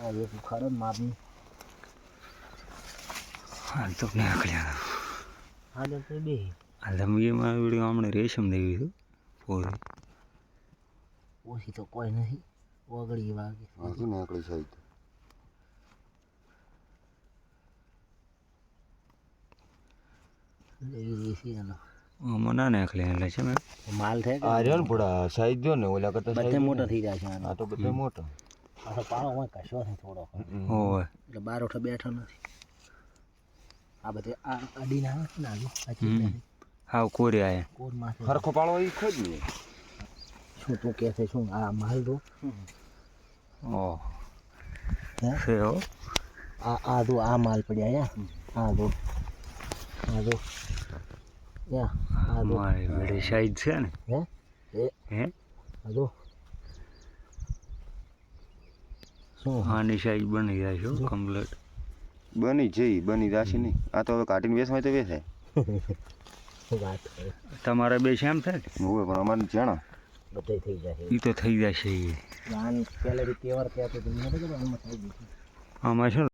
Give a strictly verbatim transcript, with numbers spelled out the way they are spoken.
આ એક ખરો માપની હાલ તો નીકળ્યા હાલ તો બે હાલ લંબીમાં વિડીયો હમણાં રેશમ દેવી હતું પૂરી ઓછી તો કોઈ નથી ઓગળી વાગે હજી નીકળી સાઈડ એવી રેસી એનો આમાં ના નીકળે એટલે છે મેં માલ થાય આ રહ્યો ને થોડા સાઈઝ જો ને ઓલા કરતા બધે મોટા થઈ જાય છે આનો આ તો બધે મોટો આ તો પાળો હોય કશો નહીં થોડો હોય એટલે બાર ઓઠો બેઠો નથી આ બધે આ અડીને આવે છે ને આગળ આ ચીજ હાવ કોરે આયા કોર માથે હરખો પાળો એ ખોજ ને શું તું કહે છે શું આ માલ દો ઓહ હે છે હો આ આ દો આ માલ પડ્યા યા આ દો આ દો યા આ દો મારી વેડી સાઈડ છે ને હે એ હે આ દો શું આની સાઈડ બની જાય છે કમ્પ્લીટ બની જઈ બની રાશી નહીં આ તો હવે કાઢીને વેસવાય તો વેસાય શું વાત કરે તમારા બે છે એમ થાય હોય પણ અમારે જાણા બધે થઈ જાય એ તો થઈ જશે આન પહેલેથી તહેવાર કહેતો તો મને તો આમાં થઈ ગયું આમાં છે ને